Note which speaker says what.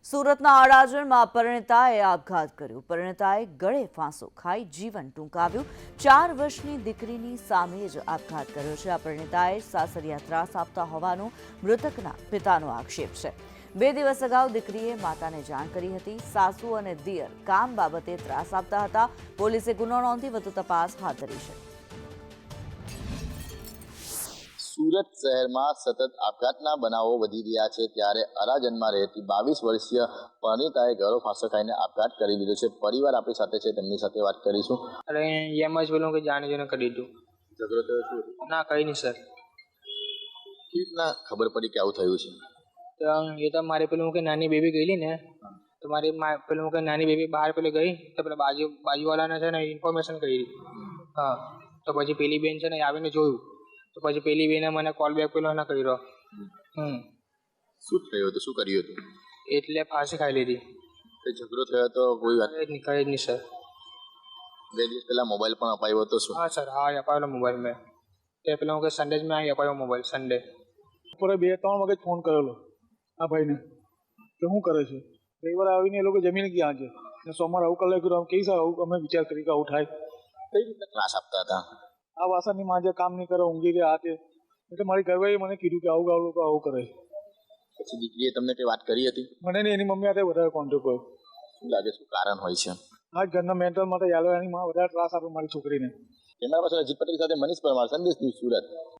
Speaker 1: સુરતના અડાજણમાં પરિણીતાએ આપઘાત કર્યો। પરિણીતાએ ગળે ફાંસો ખાઈ જીવન ટૂંકાવ્યું। 4 વર્ષની દીકરીની સામે જ આપઘાત કર્યો છે। આ પરિણીતાએ સાસરિયા ત્રાસ આપતા હોવાનો મૃતકના પિતાનો આક્ષેપ છે। 2 દિવસ અગાઉ દીકરીએ માતાને જાણ કરી હતી। સાસુ અને દિયર કામ બાબતે ત્રાસ આપતા હતા। પોલીસે ગુનો નોંધી વધુ તપાસ હાથ ધરી છે।
Speaker 2: સુરત શહેરમાં સતત આપઘાતના બનાવો વધી રહ્યા છે, ત્યારે અડાજણમાં રહેતી 22 વર્ષીય પરિણીતાએ ગળો ફાંસો ખાઈને આપઘાત કરી લીધો છે। પરિવાર આપણી સાથે છે, તેમની સાથે વાત કરીશું।
Speaker 3: અરે એમ જ પેલું કે જાણી જોઈને કરી દીધું।
Speaker 2: ઝઘડો થયો શું?
Speaker 3: ના કઈ નહીં સર।
Speaker 2: કેવી રીતના ખબર પડી કે આવું થયું છે?
Speaker 3: તો એ તો મારી પેલું કે નાની બેબી ગયેલી ને, તો મારી પેલું કે નાની બેબી બહાર પેલી ગઈ તો પેલા બાજુવાળાને છે ને ઇન્ફોર્મેશન કરી। હા, તો પછી પેલી બેન છે ને આવીને જોયું, તો પછી પેલી બેને મને કોલ બેક પેલો ના કર્યો।
Speaker 2: શું થયું હતું, શું કર્યું હતું?
Speaker 3: એટલે ફાંસી ખાઈ લીધી।
Speaker 2: ઝઘડો થયો તો કોઈ વાત
Speaker 3: કઈ જ નહીં સર।
Speaker 2: 2 દિવસ પહેલા મોબાઈલ પણ અપાયો હતો શું?
Speaker 3: હા સર, હા અપાયેલો મોબાઈલ મેં। તે પેલું કે સન્ડે જ મેં અપાયો મોબાઈલ સન્ડે।
Speaker 4: બપોરે 2-3 વાગે ફોન કરેલો આ ભાઈને કે શું કરે છે। રવિવારે આવીને એ લોકો જમીને ગયા છે ને સોમવારે આવું કરી નાખ્યું। કઈ સર આવું અમે વિચાર કરી કે આવું થાય?
Speaker 2: કઈ રીતે ત્રાસ આપતા હતા?
Speaker 4: આ વાસણની માજે કામ નહીં કરે, ઊંઘી ગયા આ તે, એટલે મારી ઘરવાળીએ મને કીધું કે આવું લોકો આવું કરે।
Speaker 2: પછી દીકરીએ તમને કઈ વાત કરી હતી?
Speaker 4: મને ને એની મમ્મી સાથે વધારે કોન્ટેક્ટ કર્યો।
Speaker 2: શું લાગે શું કારણ હોય છે?
Speaker 4: આ જ ઘરના મેન્ટલ માટે યાલો એની માં વધારે ત્રાસ આપે મારી છોકરીને।
Speaker 2: કેમેરા પાસે અજીત પટેલ સાથે મનીષ પરમાર, સંદેશ ન્યૂઝ, સુરત।